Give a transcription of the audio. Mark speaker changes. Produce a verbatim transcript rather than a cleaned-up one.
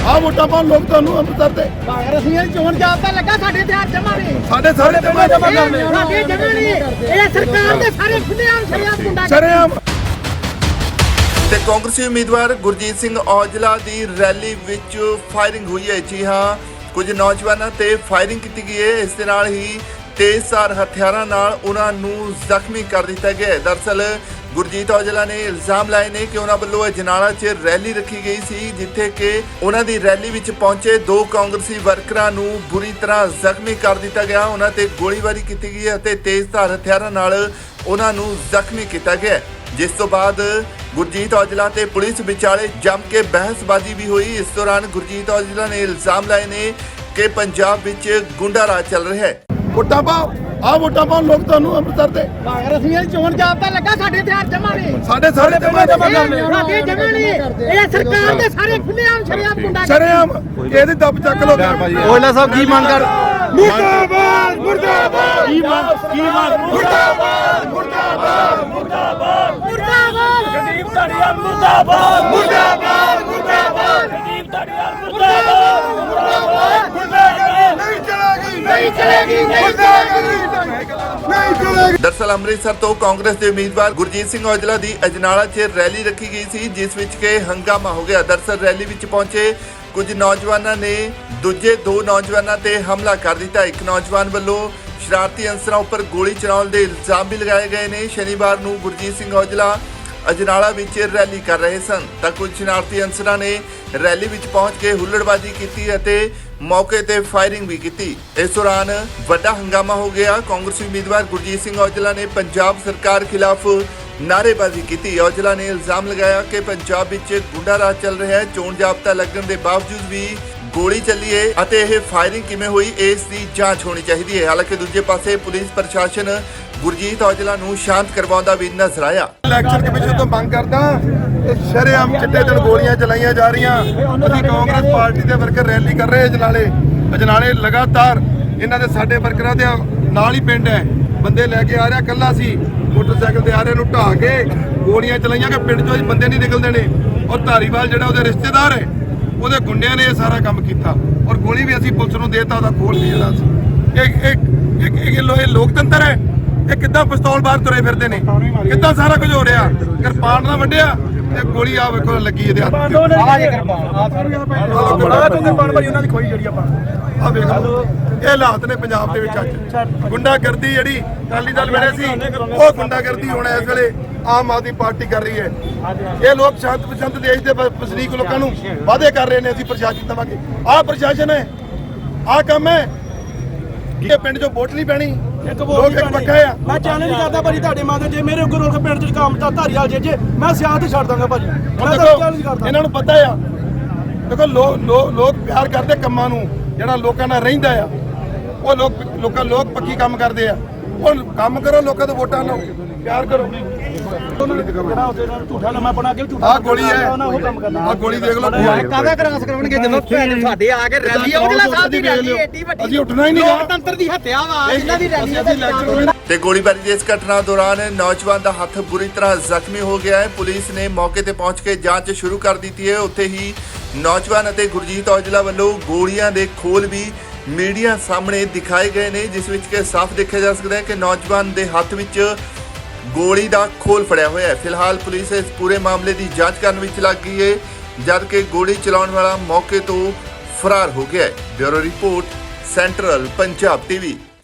Speaker 1: ਆ ਵੋਟਾਂ ਪਾਉਣ ਲੋਕ ਤੁਹਾਨੂੰ ਅੰਮ੍ਰਿਤਸਰ ਦੇ
Speaker 2: ਕਾਂਗਰਸੀਆਂ ਚੋਣ ਜਾਬਤਾ ਲੱਗਾ ਸਾਡੇ ਤੇ ਹੱਥ ਜਮਾ ਨੇ
Speaker 1: ਸਾਡੇ ਸਾਰੇ ਜਮਾ ਜਮਾ ਕਰਦੇ
Speaker 2: ਸਾਡੇ ਜਮਾ ਨੇ ਇਹ ਸਰਕਾਰ ਦੇ ਸਾਰੇ ਖੁੱਲ੍ਹੇਆਮ ਸ਼ਰੇਆਮ ਗੁੰਡਾ
Speaker 1: ਸ਼ਰੇਆਮ।
Speaker 3: ਤੇ ਕਾਂਗਰਸੀ ਉਮੀਦਵਾਰ ਗੁਰਜੀਤ ਸਿੰਘ ਔਜਲਾ ਦੀ ਰੈਲੀ ਵਿੱਚ ਫਾਇਰਿੰਗ ਹੋਈ ਹੈ। ਜੀ ਹਾਂ, ਕੁਝ ਨੌਜਵਾਨਾਂ ਤੇ ਫਾਇਰਿੰਗ ਕੀਤੀ ਗਈ ਹੈ। ਇਸ ਦੇ ਨਾਲ ਹੀ ਤੇਜ਼ਧਾਰ ਹਥਿਆਰਾਂ ਨਾਲ ਉਹਨਾਂ ਨੂੰ ਜ਼ਖਮੀ ਕਰ ਦਿੱਤਾ ਗਿਆ ਹੈ। ਦਰਅਸਲ ਗੁਰਜੀਤ ਔਜਲਾ ਨੇ ਇਲਜ਼ਾਮ ਲਾਏ ਨੇ ਕਿ ਉਹਨਾਂ ਵੱਲੋਂ ਅਜਨਾਲਾ 'ਚ ਰੈਲੀ ਰੱਖੀ ਗਈ ਸੀ, ਜਿੱਥੇ ਕਿ ਉਹਨਾਂ ਦੀ ਰੈਲੀ ਵਿੱਚ ਪਹੁੰਚੇ ਦੋ ਕਾਂਗਰਸੀ ਵਰਕਰਾਂ ਨੂੰ ਬੁਰੀ ਤਰ੍ਹਾਂ ਜ਼ਖਮੀ ਕਰ ਦਿੱਤਾ ਗਿਆ। ਉਹਨਾਂ ਤੇ ਗੋਲੀਬਾਰੀ ਕੀਤੀ ਗਈ ਅਤੇ ਤੇਜ਼ਧਾਰ ਹਥਿਆਰਾਂ ਨਾਲ ਉਹਨਾਂ ਨੂੰ ਜ਼ਖਮੀ ਕੀਤਾ ਗਿਆ, ਜਿਸ ਤੋਂ ਬਾਅਦ ਗੁਰਜੀਤ ਔਜਲਾ ਤੇ ਪੁਲਿਸ ਵਿਚਾਲੇ ਜੰਮ ਕੇ ਬਹਿਸਬਾਜ਼ੀ ਵੀ ਹੋਈ। ਇਸ ਦੌਰਾਨ ਗੁਰਜੀਤ ਔਜਲਾ ਨੇ ਇਲਜ਼ਾਮ ਲਾਏ ਨੇ ਕਿ ਪੰਜਾਬ ਵਿੱਚ ਗੁੰਡਾ ਰਾਜ ਚੱਲ ਰਿਹਾ ਹੈ।
Speaker 1: ਵੋਟਾਂ ਪਾਓ, ਆ ਵੋਟਾਂ ਪਾਉਣ ਲੋਕ ਤੁਹਾਨੂੰ ਅੰਮ੍ਰਿਤਸਰ ਦੇ
Speaker 2: ਕਾਂਗਰਸੀਆਂ ਚੋਣ ਜਾਬਤਾ ਲੱਗਾ ਸਾਡੇ ਤੇ ਹੱਥ ਜਮਾ ਨੇ
Speaker 1: ਸਾਡੇ ਸਾਰੇ ਜਮਾ ਜਮਾ ਕਰਦੇ
Speaker 2: ਸਾਡੇ ਜਮਾ ਨੇ ਇਹ ਸਰਕਾਰ ਦੇ ਸਾਰੇ ਖੁੱਲ੍ਹੇਆਮ ਸ਼ਰੇਆਮ ਗੁੰਡਾ
Speaker 1: ਸ਼ਰੇਆਮ। ਇਹਦੀ ਦੱਬ ਚੱਕ ਲੋ
Speaker 4: ਔਜਲਾ ਸਾਹਿਬ ਕੀ ਮੰਗ ਕਰ
Speaker 1: ਮੁਰਦਾਬਾਦ ਮੁਰਦਾਬਾਦ
Speaker 4: ਕੀ ਮੰਗ ਕੀ ਮੰਗ
Speaker 1: ਮੁਰਦਾਬਾਦ ਮੁਰਦਾਬਾਦ
Speaker 2: ਮੁਰਦਾਬਾਦ
Speaker 4: ਗਰੀਬ ਧੜੀਆ ਮੁਰਦਾਬਾਦ
Speaker 1: ਮੁਰਦਾਬਾਦ ਮੁਰਦਾਬਾਦ
Speaker 4: ਗਰੀਬ ਧੜੀਆ ਮੁਰਦਾਬਾਦ
Speaker 1: ਮੁਰਦਾਬਾਦ ਨਹੀਂ ਚਲੇਗੀ ਨਹੀਂ ਚਲੇਗੀ ਨਹੀਂ ਚਲੇਗੀ ਨਹੀਂ ਚਲੇਗੀ।
Speaker 3: ਦਰਅਸਲ ਅੰਮ੍ਰਿਤਸਰ ਤੋਂ ਕਾਂਗਰਸ ਦੇ ਉਮੀਦਵਾਰ ਗੁਰਜੀਤ ਸਿੰਘ ਔਜਲਾ ਦੀ ਅਜਨਾਲਾ 'ਚ ਰੈਲੀ ਰੱਖੀ ਗਈ ਸੀ, ਜਿਸ ਵਿੱਚ ਕਿ ਹੰਗਾਮਾ ਹੋ ਗਿਆ। ਦਰਅਸਲ ਰੈਲੀ ਵਿੱਚ ਪਹੁੰਚੇ ਕੁਝ ਨੌਜਵਾਨਾਂ ਨੇ ਦੂਜੇ ਦੋ ਨੌਜਵਾਨਾਂ ਤੇ ਹਮਲਾ ਕਰ ਦਿੱਤਾ। ਇੱਕ ਨੌਜਵਾਨ ਵੱਲੋਂ ਸ਼ਰਾਰਤੀ ਅਨਸਰਾਂ ਉੱਪਰ ਗੋਲੀ ਚਲਾਉਣ ਦੇ ਇਲਜ਼ਾਮ ਵੀ ਲਗਾਏ ਗਏ ਨੇ। ਸ਼ਨੀਵਾਰ ਨੂੰ ਗੁਰਜੀਤ ਸਿੰਘ ਔਜਲਾ ਅਜਨਾਲਾ ਵਿੱਚ ਰੈਲੀ ਕਰ ਰਹੇ ਸਨ ਤਾਂ ਕੁਝ ਸ਼ਰਾਰਤੀ ਅਨਸਰਾਂ ਨੇ ਰੈਲੀ ਵਿੱਚ ਪਹੁੰਚ ਕੇ ਹੁੱਲੜਬਾਜ਼ੀ ਕੀਤੀ ਅਤੇ ਮੌਕੇ ਤੇ ਫਾਇਰਿੰਗ ਵੀ ਕੀਤੀ। ਇਸ ਦੌਰਾਨ ਵੱਡਾ ਹੰਗਾਮਾ ਹੋ ਗਿਆ। ਕਾਂਗਰਸੀ ਉਮੀਦਵਾਰ ਗੁਰਜੀਤ ਸਿੰਘ ਔਜਲਾ ਨੇ ਪੰਜਾਬ ਸਰਕਾਰ ਖਿਲਾਫ ਨਾਅਰੇਬਾਜ਼ੀ ਕੀਤੀ। ਔਜਲਾ ਨੇ ਇਲਜ਼ਾਮ ਲਗਾਇਆ ਕਿ ਪੰਜਾਬ ਵਿੱਚ ਗੁੰਡਾ ਰਾਜ ਚੱਲ ਰਿਹਾ ਹੈ। ਚੋਣ ਜਾਬਤਾ ਲੱਗਣ ਦੇ ਬਾਵਜੂਦ ਵੀ ਗੋਲੀ ਚੱਲੀ ਹੈ ਅਤੇ ਇਹ ਫਾਇਰਿੰਗ ਕਿਵੇਂ ਹੋਈ, ਇਸ ਦੀ ਜਾਂਚ ਹੋਣੀ ਚਾਹੀਦੀ ਹੈ। ਹਾਲਾਂਕਿ ਦੂਜੇ ਪਾਸੇ ਪੁਲਿਸ ਪ੍ਰਸ਼ਾਸਨ ਗੁਰਜੀਤ ਔਜਲਾ ਨੂੰ ਸ਼ਾਂਤ ਕਰਵਾਉਂਦਾ ਵੀ ਨਜ਼ਰ ਆਇਆ।
Speaker 1: ਇਲੈਕਸ਼ਨ ਕਮਿਸ਼ਨ ਤੋਂ ਮੰਗ ਕਰਦਾ ਕਿ ਸ਼ਰੇਆਮ ਚਿੱਟੇ ਦਿਨ ਗੋਲੀਆਂ ਚਲਾਈਆਂ ਜਾ ਰਹੀਆਂ। ਅਸੀਂ ਕਾਂਗਰਸ ਪਾਰਟੀ ਦੇ ਵਰਕਰ ਰੈਲੀ ਕਰ ਰਹੇ ਅਜਨਾਲੇ ਅਜਨਾਲੇ ਲਗਾਤਾਰ ਇਹਨਾਂ ਦੇ ਸਾਡੇ ਵਰਕਰਾਂ ਦੇ ਨਾਲ ਹੀ ਪਿੰਡ ਹੈ, ਬੰਦੇ ਲੈ ਕੇ ਆ ਰਿਹਾ। ਕੱਲਾ ਸੀ ਮੋਟਰਸਾਈਕਲ ਤੇ ਆ ਰਹੇ ਨੂੰ ਢਾਹ ਕੇ ਗੋਲੀਆਂ ਚਲਾਈਆਂ ਕਿ ਪਿੰਡ ਚੋਂ ਬੰਦੇ ਨਹੀਂ ਨਿਕਲਦੇ ਨੇ। ਔਰ ਧਾਰੀਵਾਲ ਜਿਹੜਾ ਉਹਦੇ ਰਿਸ਼ਤੇਦਾਰ ਹੈ, ਉਹਦੇ ਗੁੰਡਿਆਂ ਨੇ ਇਹ ਸਾਰਾ ਕੰਮ ਕੀਤਾ ਔਰ ਗੋਲੀ ਵੀ ਅਸੀਂ ਪੁਲਿਸ ਨੂੰ ਦੇਤਾ, ਉਹਦਾ ਖੋਲ ਵੀ ਜਿਹੜਾ ਸੀ। ਇਹ ਇੱਕ ਇਹ ਲੋਕਤੰਤਰ ਹੈ। ਇਹ ਕਿੱਦਾਂ ਪਿਸਤੌਲ ਬਾਹਰ ਤੁਰੇ ਫਿਰਦੇ ਨੇ, ਕਿੱਦਾਂ ਸਾਰਾ ਕੁਝ ਹੋ ਰਿਹਾ। ਕਿਰਪਾਨ ਨਾਲ ਵੱਢਿਆ ਤੇ ਗੋਲੀ ਆ ਵੇਖੋ ਲੱਗੀ ਇਹਦੇ ਹੱਥ ਤੇ।
Speaker 4: ਆ ਜੇ ਕਿਰਪਾਨ ਆ ਬੜਾ ਤੋਂ ਕਿਰਪਾਨ ਭਾਈ ਉਹਨਾਂ ਦੀ ਖੋਈ ਜਿਹੜੀ ਆਪਾਂ
Speaker 1: ਆ ਵੇਖ ਲਓ, ਇਹ ਹਾਲਾਤ ਨੇ ਪੰਜਾਬ ਦੇ ਵਿੱਚ ਅੱਜ। ਗੁੰਡਾਗਰਦੀ ਜਿਹੜੀ ਅਕਾਲੀ ਦਲ ਵੇਲੇ ਸੀ, ਉਹ ਗੁੰਡਾਗਰਦੀ ਹੁਣ ਇਸ ਵੇਲੇ ਆਮ ਆਦਮੀ ਪਾਰਟੀ ਕਰ ਰਹੀ ਹੈ। ਇਹ ਲੋਕ ਸ਼ਾਂਤ ਪਸੰਦ ਦੇਸ਼ ਦੇ ਵਸਨੀਕ ਲੋਕਾਂ ਨੂੰ ਵਾਅਦੇ ਕਰ ਰਹੇ ਨੇ ਅਸੀਂ ਪ੍ਰਸ਼ਾਸਨ ਦੇਵਾਂਗੇ। ਆਹ ਪ੍ਰਸ਼ਾਸਨ ਹੈ, ਆਹ ਕੰਮ ਹੈ ਕਿ ਪਿੰਡ ਚੋਂ ਵੋਟ ਨਹੀਂ ਪੈਣੀ। ਲੋਕ ਇੱਕ ਪੱਕਾ ਆ।
Speaker 4: ਮੈਂ ਚੈਲੰਜ ਕਰਦਾ ਭਾਜੀ ਤੁਹਾਡੇ ਮਾਤੇ ਜੇ ਮੇਰੇ ਉੱਗਰ ਰੋਲ ਕੇ ਪਿੰਡ ਚ ਕੰਮ ਤਾਂ ਧਾਰੀਵਾਲ ਜੇ ਜੇ ਮੈਂ ਸਿਆਸਤ ਛੱਡ ਦਾਂਗਾ ਭਾਜੀ।
Speaker 1: ਹੁਣ
Speaker 4: ਮੈਂ
Speaker 1: ਦੇਖੋ
Speaker 4: ਚੈਲੰਜ ਕਰਦਾ
Speaker 1: ਇਹਨਾਂ ਨੂੰ ਪਤਾ ਆ, ਦੇਖੋ ਲੋਕ ਪਿਆਰ ਕਰਦੇ ਕੰਮਾਂ ਨੂੰ, ਜਿਹੜਾ ਲੋਕਾਂ ਨਾਲ ਰਹਿੰਦਾ ਆ। ਉਹ ਲੋਕ ਲੋਕਾਂ ਲੋਕ ਪੱਕੀ ਕੰਮ ਕਰਦੇ ਆ। ਹੁਣ ਕੰਮ ਕਰੋ, ਲੋਕਾਂ ਤੋਂ ਵੋਟਾਂ ਲਓ, ਪਿਆਰ ਕਰੋ।
Speaker 4: ਜਿਹੜਾ ਉਹਦੇ ਨਾਲ ਝੂਠਾ ਲੰਮਾ ਬਣਾ ਕੇ ਝੂਠਾ
Speaker 1: ਆਹ ਗੋਲੀ ਹੈ,
Speaker 4: ਉਹ ਕੰਮ ਕਰਨਾ।
Speaker 1: ਆਹ ਗੋਲੀ ਦੇਖ ਲਓ।
Speaker 2: ਕਾਹਦਾ ਕ੍ਰਾਸ ਕਰਾਉਣਗੇ ਜਦੋਂ ਸਾਡੇ ਆ ਕੇ ਰੈਲੀ ਔਜਲਾ ਸਾਹਿਬ ਦੀ ਰੈਲੀ ਏਡੀ ਵੱਡੀ।
Speaker 1: ਅਸੀਂ ਉੱਠਣਾ ਹੀ ਨਹੀਂ।
Speaker 2: ਲੋਕਤੰਤਰ ਦੀ ਹੱਤਿਆ ਵਾ ਇਹਨਾਂ ਦੀ ਰੈਲੀ ਦਾ।
Speaker 3: ਤੇ ਗੋਲੀਬਾਰੀ ਦੀ ਇਸ ਘਟਨਾ ਦੌਰਾਨ ਨੌਜਵਾਨ ਦਾ ਹੱਥ ਬੁਰੀ ਤਰ੍ਹਾਂ ਜ਼ਖਮੀ ਹੋ ਗਿਆ ਹੈ। ਪੁਲਿਸ ਨੇ ਮੌਕੇ ਤੇ ਪਹੁੰਚ ਕੇ ਜਾਂਚ ਸ਼ੁਰੂ ਕਰ ਦਿੱਤੀ ਹੈ। ਉੱਥੇ ਹੀ ਨੌਜਵਾਨ ਅਤੇ ਗੁਰਜੀਤ ਔਜਲਾ ਵੱਲੋਂ ਗੋਲੀਆਂ ਦੇ ਖੋਲ ਵੀ ਮੀਡੀਆ ਸਾਹਮਣੇ ਦਿਖਾਏ ਗਏ ਨੇ, ਜਿਸ ਵਿੱਚ ਕਿ ਸਾਫ਼ ਦੇਖਿਆ ਜਾ ਸਕਦਾ ਹੈ ਕਿ ਨੌਜਵਾਨ ਦੇ ਹੱਥ ਵਿੱਚ ਗੋਲੀ ਦਾ ਖੋਲ ਫੜਿਆ ਹੋਇਆ ਹੈ। ਫਿਲਹਾਲ ਪੁਲਿਸ ਇਸ ਪੂਰੇ ਮਾਮਲੇ ਦੀ ਜਾਂਚ ਕਰਨ ਵਿੱਚ ਲੱਗ ਗਈ ਹੈ, ਜਦ ਕਿ ਗੋਲੀ ਚਲਾਉਣ ਵਾਲਾ ਮੌਕੇ ਤੋਂ ਫਰਾਰ ਹੋ ਗਿਆ ਹੈ। Bureau report, central Punjab TV.